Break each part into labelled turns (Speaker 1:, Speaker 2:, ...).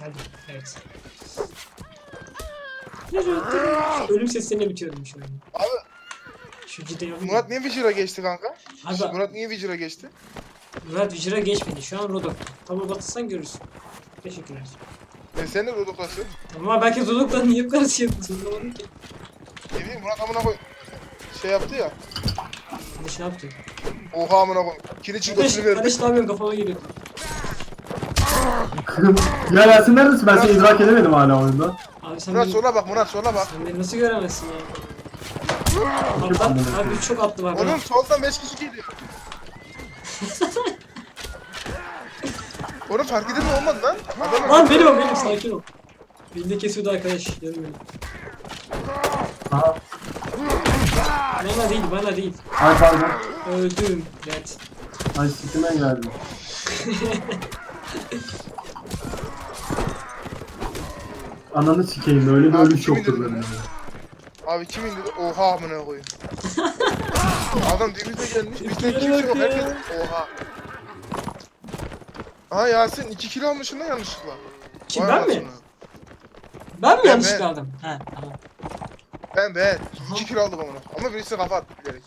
Speaker 1: Hadi. Evet. Ölüm seslerine bitiyorum şu an.
Speaker 2: Abi
Speaker 1: Şu cidden yok.
Speaker 2: Murat niye Vigil'a geçti kanka?
Speaker 1: Abi
Speaker 2: Murat niye Vigil'a geçti?
Speaker 1: Murat Vıcır'a geçmedi. Şu an Rodok. Tamam batırsan görürsün. Teşekkürler.
Speaker 2: Sen de Rodok'lasın.
Speaker 1: Ama belki Rodok'la niye bu kadar şey yapıyorsun? Anlamadım ki.
Speaker 2: Ne bileyim Murat amına koy. Şey yaptı ya.
Speaker 1: Kardeş ne yaptın?
Speaker 2: Oha amına koy. Kili çılgısını verdi.
Speaker 1: Kardeş ne yapıyorsun? Kafama geliyor.
Speaker 3: Ya Yasin neredesin? Ben seni idrak edemedim hala oyunda.
Speaker 1: Abi sen
Speaker 2: Murat
Speaker 1: beni,
Speaker 2: sola bak Murat sola bak.
Speaker 1: sen beni nasıl göremezsin ya? Atlar, abi çok attı var.
Speaker 2: Oğlum soldan 5 kişi geliyor. Oğlum fark edin mi olmadı lan? Adam
Speaker 1: Lan benim sakin ol. Beni de kesiyordu arkadaş. Görmüyorum.
Speaker 3: Aha.
Speaker 1: Bana değil.
Speaker 3: Ay pardon.
Speaker 1: Öldüm. Evet.
Speaker 3: Ay sikime geldim. Ananı sikeyim öyle bir
Speaker 2: Abi
Speaker 3: ölüş
Speaker 2: kim
Speaker 3: yoktur
Speaker 2: indirdi
Speaker 3: benim.
Speaker 2: bunu? Abi kim indirdi? Oha amına koyayım. Adam denize gelmiş. Bizde kimse yok. Herkes oha. Aha Yasin 2 kilo almışsın lan yanlışlıkla.
Speaker 1: Kim,
Speaker 2: Vay
Speaker 1: ben mi?
Speaker 2: anasını.
Speaker 1: Ben mi
Speaker 2: Ben,
Speaker 1: yanlışlıkla
Speaker 2: ben.
Speaker 1: aldım? He tamam.
Speaker 2: Ben 2 kilo aldım onu. Ama birisi kafa attı bilerek.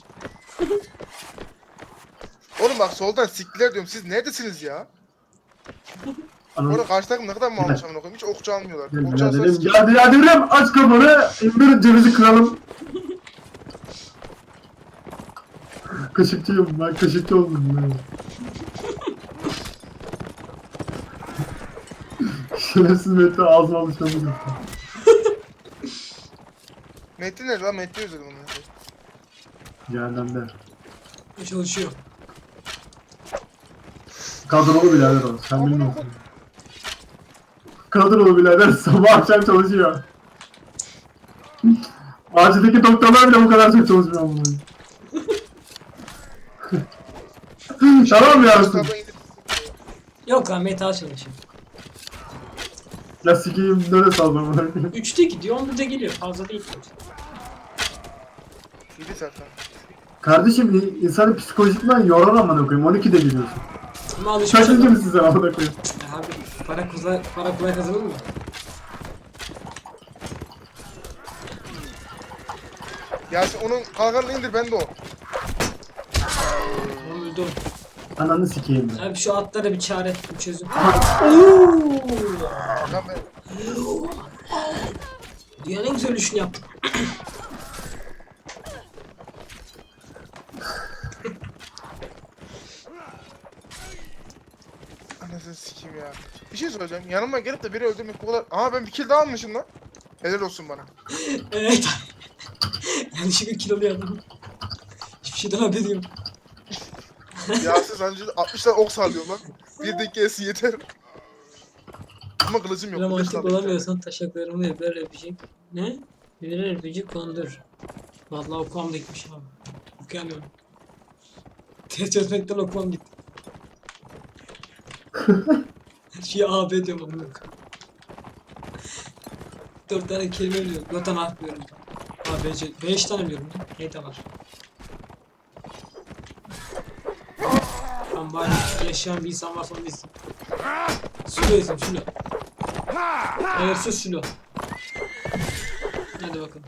Speaker 2: Oğlum bak soldan siktiler diyorum. Siz neredesiniz ya?
Speaker 3: Ananı
Speaker 2: Orada karşı takım ne kadar mı almış amına koyayım? Hiç okçu almıyorlar.
Speaker 3: sikeyim
Speaker 2: Okçu alsa
Speaker 3: biraderim.
Speaker 2: sikeyim.
Speaker 3: Ya biraderim aç kafanı. İndir cevizi kıralım. Kaşıkçıyım ben kaşıkçı oldum ben. Şerefsiz Mete ağzıma alışamadım.
Speaker 2: Metin nerede lan? Metin özledim onu.
Speaker 3: Cehennemde.
Speaker 1: Çalışıyor.
Speaker 3: Kadrolu birader o. Sen bilmiyorsun. Kadrolu birader sabah akşam çalışıyor. Acildeki doktorlar bile bu kadar çok çalışmıyor ama. Tamam mı Yasin?
Speaker 2: Sabah indir-
Speaker 1: Yok lan metal çalışıyor.
Speaker 3: Ya sikeyim nereye saldım?
Speaker 1: 3'te gidiyor 11'de geliyor. Fazla değil.
Speaker 2: 7 saat lan.
Speaker 3: Kardeşim insanı psikolojikman yorar amına koyayım. 12'de gidiyorsun.
Speaker 1: Ama alışmış
Speaker 3: Kaçıncı
Speaker 1: adam.
Speaker 3: mısın sen amına koyayım?
Speaker 1: Abi para kolay kazanır mı?
Speaker 2: Yasin onun kalkanını indir ben de o.
Speaker 1: Tamam öldü o.
Speaker 3: Ananı sikeyim ben.
Speaker 1: Abi şu atlara bir çare bir çözüm.
Speaker 2: Lan ben
Speaker 1: Dünyanın en güzel ölüşünü yaptım.
Speaker 2: anasını sikeyim ya. Bir şey söyleyeceğim. Yanıma gelip de biri öldürmek bu kadar. Aha ben bir kill daha almışım lan. Helal olsun bana.
Speaker 1: Evet. Yanlışlıkla kilolu yaptım. Hiçbir şeyden haberim yok.
Speaker 2: Yasin sancı 60 tane ok sallıyor lan. Bir dakikası yeter. Ama kılıcım yok.
Speaker 1: Böyle
Speaker 2: kılıç
Speaker 1: mantık
Speaker 2: kaldı bir tane.
Speaker 1: olamıyorsan taşaklarımı yapar öpecek. Ne? Birer öpücük kondur. Vallahi okumam da gitmiş abi. Okuyamıyorum. Test çözmekten okumam gitti. Her şeyi AB diyorum amına koyayım. 4 tane kelime biliyorum. 4 tane harf biliyorum. ABC. 5 tane biliyorum. Ne de var. Tamam bari yaşayan bir insan varsa onu izleyeyim. Sülo izleyeyim Sülo. Evet sus Sülo. Hadi bakalım.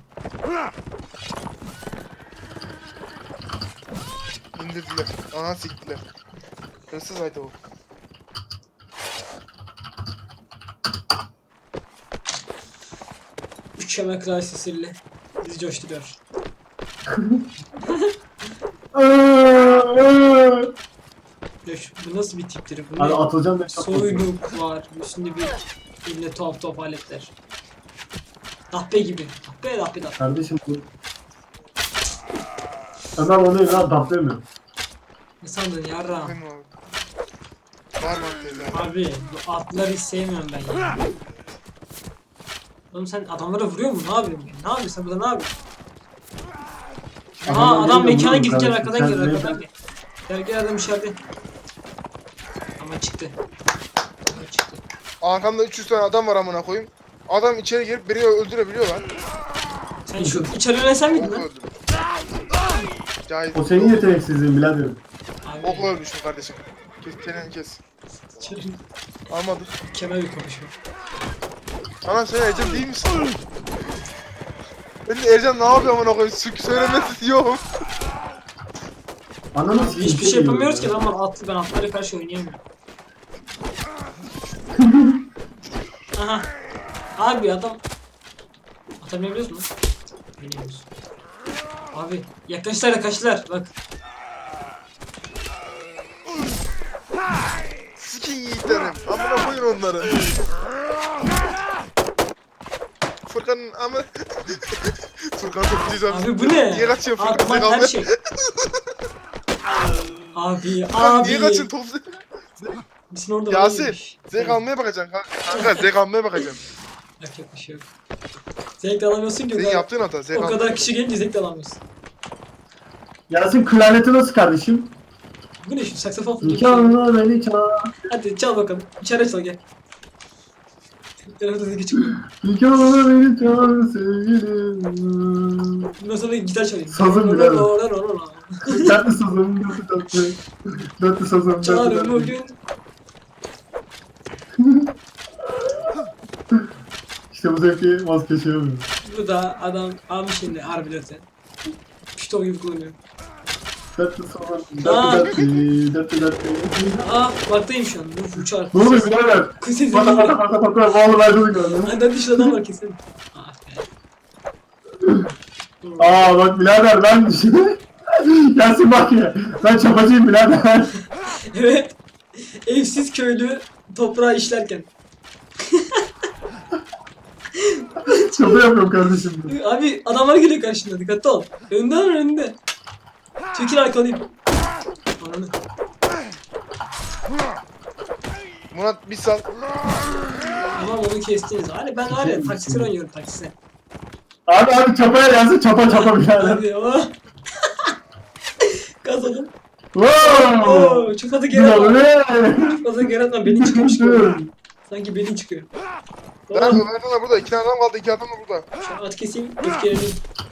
Speaker 2: İndirdiler. Aha siktiler. Hırsız haydi o.
Speaker 1: Mükemmel klavye sesiyle bizi coşturuyor. Ya bu nasıl bir tiptir? Bu
Speaker 3: Abi
Speaker 1: ne?
Speaker 3: atılacağım ben çok korkuyorum.
Speaker 1: Soyluk var. Üstünde bir eline tuhaf tuhaf aletler. Dahpe gibi. Dahpe.
Speaker 3: Kardeşim bu. Ömer onu lan taplayamıyor.
Speaker 1: Ne sandın yarra?
Speaker 2: Benim abi. Var mı teyze?
Speaker 1: Abi bu atları hiç sevmiyorum ben ya. Oğlum sen adamlara vuruyor mu? Ne yapıyorsun? Ne yapıyorsun sen burada ne yapıyorsun? Aha
Speaker 3: Adamlar
Speaker 1: adam
Speaker 3: geliyor,
Speaker 1: mekana
Speaker 3: vuruyorum
Speaker 1: gidecek
Speaker 3: kardeşim.
Speaker 1: arkadan
Speaker 3: Sen
Speaker 1: gel
Speaker 3: ne-
Speaker 1: arkadan gel. Gel adam içeride. Ama çıktı. Ama çıktı.
Speaker 2: Arkamda 300 tane adam var amına koyayım. Adam içeri girip biri öldürebiliyor lan.
Speaker 1: Sen şu içeri ölen sen miydin
Speaker 2: Okla
Speaker 1: lan?
Speaker 2: öldürdüm. Cahil.
Speaker 3: O senin yeteneksizliğin biraderim.
Speaker 1: Abi
Speaker 2: Okla ölmüşüm kardeşim. Kes çeneni kes.
Speaker 1: içeri
Speaker 2: Almadı.
Speaker 1: mükemmel bir konuşma.
Speaker 2: Ana sen Ercan değil misin? Ben de Ercan ne yapıyor amına koyayım? Söylemesi yok.
Speaker 3: Ananı
Speaker 1: Abi
Speaker 3: sikeyim.
Speaker 1: hiçbir şey yapamıyoruz ki lan atlı ben atlara karşı oynayamıyorum. Aha. Abi adam atabiliyoruz mu? Biliyoruz. Abi yaklaştılar yaklaştılar bak.
Speaker 2: Sikin yiğitlerim. Amına koyun onları. Furkan'ın ama... Furkan çok güzel.
Speaker 1: Abi bu ne?
Speaker 2: Niye kaçıyorsun Furkan?
Speaker 1: Atman
Speaker 2: Zekalı.
Speaker 1: her şey. Abi
Speaker 2: Furkan
Speaker 1: abi.
Speaker 2: niye kaçın top?
Speaker 1: Bizim orada
Speaker 2: Yasin,
Speaker 1: varmış.
Speaker 2: zevk almaya bakacaksın kanka. Zevk almaya bakacaksın.
Speaker 1: Yapacak bir şey yok. Zevk de alamıyorsun ki o
Speaker 2: Senin
Speaker 1: kadar,
Speaker 2: yaptığın hata. Zevk
Speaker 1: o
Speaker 2: almaya
Speaker 1: kadar kişi gelince zevk de alamıyorsun.
Speaker 3: Yasin klarneti nasıl kardeşim?
Speaker 1: Bu ne şu saksafon fırlatıyor.
Speaker 3: Nikahına beni çağır.
Speaker 1: Hadi çal bakalım. İçeri çal gel. Yanımda zeki çıkıyor.
Speaker 3: Nikahına beni çağır sevgilim.
Speaker 1: Bundan sonra gitar çalayım.
Speaker 3: Sazım bile mi?
Speaker 1: Çal
Speaker 3: Tatlı sazım, tatlı. Tatlı sazım, tatlı.
Speaker 1: ömür
Speaker 3: İşte bu zevki vazgeçemiyorum.
Speaker 1: Bu da adam almış şimdi arbilete. Pişto gibi kullanıyor.
Speaker 3: Tatlı sazım,
Speaker 1: Aa.
Speaker 3: tatlı, tatlı, tatlı.
Speaker 1: Baktayım şu an. Dur uçar.
Speaker 3: Ne oluyor birader?
Speaker 1: Kız sesi
Speaker 3: Pata
Speaker 1: geliyor.
Speaker 3: pata pata pata bağlı verdim gördüm.
Speaker 1: Hadi dışarı adam var kesin.
Speaker 3: Aa bak birader ben Yasin bak ya. Ben çapacıyım birader.
Speaker 1: Evet. Evsiz köylü toprağı işlerken.
Speaker 3: Çapa yapıyorum kardeşim.
Speaker 1: Abi adamlar geliyor karşında dikkatli ol. Önden önünde. Çekil arkalıyım. Ananı.
Speaker 2: Murat bir sal.
Speaker 1: Tamam onu kestiniz. Hani ben var ya taksir oynuyorum taksir.
Speaker 3: Abi çapaya gelsin çapa çapa birader.
Speaker 1: Hadi o. Kazandım.
Speaker 3: Wow.
Speaker 1: Oo, çok fazla geri atma.
Speaker 3: Bravo.
Speaker 1: Çok fazla geri atma. Belin çıkıyormuş gibi. Sanki belin çıkıyor.
Speaker 2: Nerede?
Speaker 1: Oh,
Speaker 2: Nerede burada? 2 adam kaldı. 2 adam da burada.
Speaker 1: şu an at keseyim. Öfkelerini.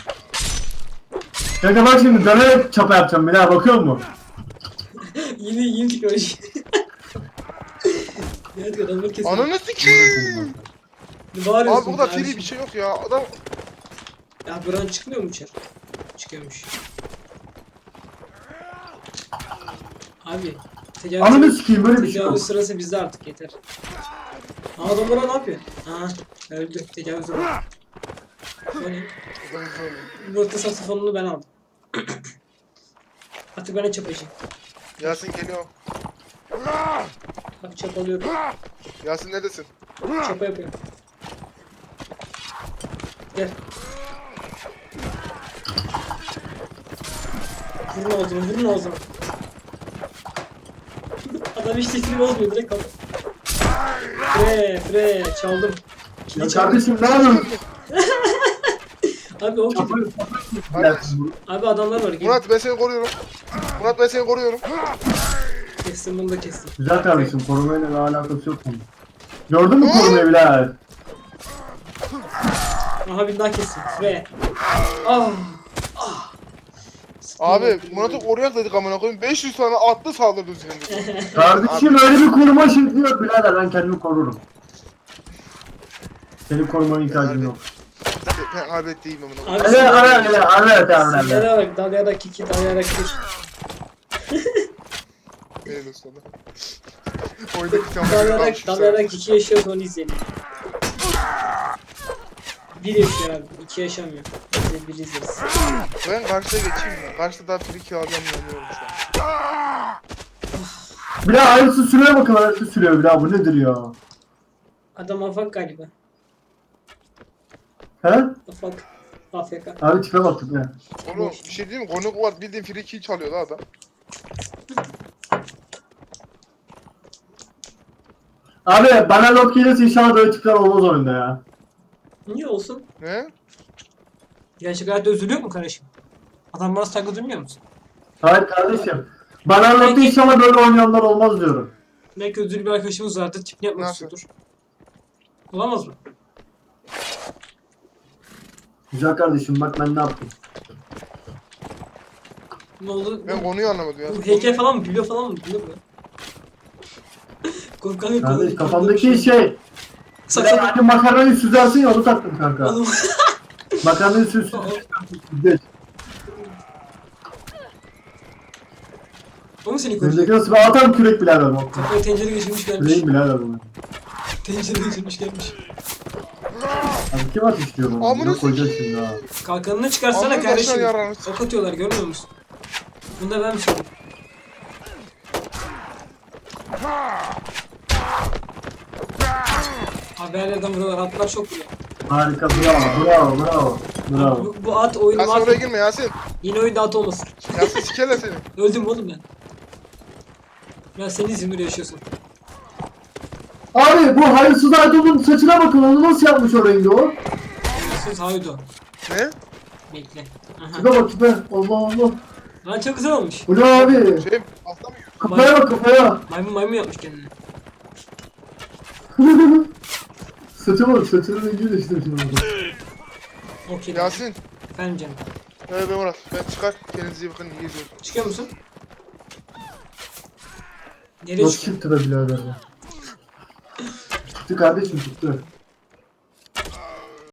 Speaker 3: Kanka bak şimdi dönerek çapa yapacağım birader bakıyor musun?
Speaker 1: Yeni teknoloji. Evet adamları kesin.
Speaker 2: Ananı sikiyim.
Speaker 1: Ne bağırıyorsun?
Speaker 2: Abi burada
Speaker 1: kardeşim?
Speaker 2: free bir şey yok ya. Adam
Speaker 1: Ya buranın çıkmıyor mu içeri? Çıkıyormuş. Abi.
Speaker 3: Ananı sikeyim böyle bir şey yok.
Speaker 1: Tecavüz sırası bizde artık yeter. Aa adam bana ne yapıyor? Aa öldü. Tecavüz oldu. Bu ne? Burada saksafonunu ben aldım. Artık ben de çapacağım.
Speaker 2: Yasin geliyor.
Speaker 1: Bak çapalıyorum.
Speaker 2: Yasin neredesin?
Speaker 1: Çapa yapıyorum. Gel. Vurun ağzına, vurun ağzına. Adam hiç sesini bozmuyor, direkt kaldı. Fre, çaldım.
Speaker 3: Ya
Speaker 1: Kili çaldım.
Speaker 3: kardeşim ne yapıyorsun?
Speaker 1: Abi o
Speaker 3: Çapa
Speaker 1: kili. Abi adamlar var. Gel.
Speaker 2: Murat ben seni koruyorum. Murat ben seni koruyorum.
Speaker 1: Kestim bunu da kestim.
Speaker 3: Güzel kardeşim korumayla bir alakası yok bunun. Gördün mü korumayı birader?
Speaker 1: Aha bir daha kestim. Fre. Ah.
Speaker 2: Abi Murat'ı koruyak dedik amına koyayım. 500 tane atlı saldırdı üzerinde.
Speaker 3: Kardeşim öyle bir koruma şekli yok birader ben kendimi korurum. Senin korumana ihtiyacım yok.
Speaker 2: Ben kaybettiyim amına koyayım.
Speaker 1: Abi
Speaker 3: Evet.
Speaker 1: Sizlere bak dalyarak kiki dalyarak kiki.
Speaker 2: Benim olsun da. Oydaki tamamen
Speaker 1: Dalyarak kiki yaşıyor onu izleyelim. Bir yaşıyor abi. İki yaşamıyor. Biz de bir izleriz.
Speaker 2: Ben karşıya geçeyim mi? Karşıda daha free kill alacağım yanıyorum şu an.
Speaker 3: Bir daha aynısı sürüyor bakalım aynısı sürüyor bir daha bu nedir ya?
Speaker 1: Adam afak galiba.
Speaker 3: He?
Speaker 1: Afak. AFK.
Speaker 3: Abi tipe baktık ya.
Speaker 2: Oğlum bir şey diyeyim mi? Konuk var bildiğin free kill çalıyor da adam.
Speaker 3: Abi bana lot gelirse inşallah böyle tipler olmaz oyunda ya.
Speaker 1: Niye olsun?
Speaker 2: Ne?
Speaker 1: Gerçek hayatta üzülüyor mu kardeşim? Adam bana saygı duymuyor musun?
Speaker 3: Hayır kardeşim. Bana lot inşallah böyle oynayanlar olmaz diyorum.
Speaker 1: Belki özürlü bir arkadaşımız vardır. Tipini yapmak
Speaker 2: Nasıl?
Speaker 1: istiyordur. Olamaz mı?
Speaker 3: Güzel kardeşim bak ben ne yaptım.
Speaker 1: Ne oldu?
Speaker 2: Ben konuyu anlamadım ya.
Speaker 1: Bu heykel falan mı? Biliyor falan mı? Biliyor mu? Korkan yok.
Speaker 3: Kardeş kafamdaki şey
Speaker 1: Sakın.
Speaker 3: Hani makarnayı süzersin ya onu taktım kanka.
Speaker 1: Oğlum.
Speaker 3: Makarnayı süzsün. Geç.
Speaker 1: O mu seni koruyor?
Speaker 3: Öndeki nasıl bir atam kürek birader bu.
Speaker 1: Kafaya tencere geçirmiş gelmiş.
Speaker 3: Küreğim birader bu.
Speaker 1: Tencere geçirmiş gelmiş.
Speaker 3: Abi kim ateş diyor bana?
Speaker 2: Amına
Speaker 3: Bunu koyacağız şimdi ha.
Speaker 1: Kalkanını çıkarsana
Speaker 2: Amına
Speaker 1: kardeşim.
Speaker 2: başına yararını
Speaker 1: Ok atıyorlar görmüyor musun? Bunu da ben mi söyleyeyim? Abi her yerden vuruyorlar. Atlar çok vuruyor.
Speaker 3: Harika bravo.
Speaker 1: Bu at oyunu
Speaker 2: Yasin oraya
Speaker 1: mahvet.
Speaker 2: girme Yasin.
Speaker 1: Yine oyunda at olmasın.
Speaker 2: Yasin sikerler seni.
Speaker 1: Öldüm oğlum ben. Ya sen İzmir'de yaşıyorsun.
Speaker 3: Abi bu hayırsız Aydın'ın saçına bakın onu nasıl yapmış o rengi o?
Speaker 1: Siz haydo.
Speaker 2: Ne?
Speaker 1: Bekle. Aha.
Speaker 3: Tipe bak tipe. Allah.
Speaker 1: Lan çok güzel olmuş.
Speaker 3: Bu ne abi?
Speaker 2: Şey altta mı?
Speaker 3: Kafaya bak kafaya.
Speaker 1: Maymun yapmış kendini.
Speaker 3: Saça bak saçının rengi de işte şimdi.
Speaker 1: Okey.
Speaker 2: Yasin.
Speaker 1: Efendim canım.
Speaker 2: Evet ben Murat. Ben çıkar. Kendinize iyi bakın. İyi geceler.
Speaker 1: Çıkıyor musun? Nereye
Speaker 3: Nasıl
Speaker 1: çıkıyor?
Speaker 3: çıktı da birader ya? Çıktı kardeşim çıktı.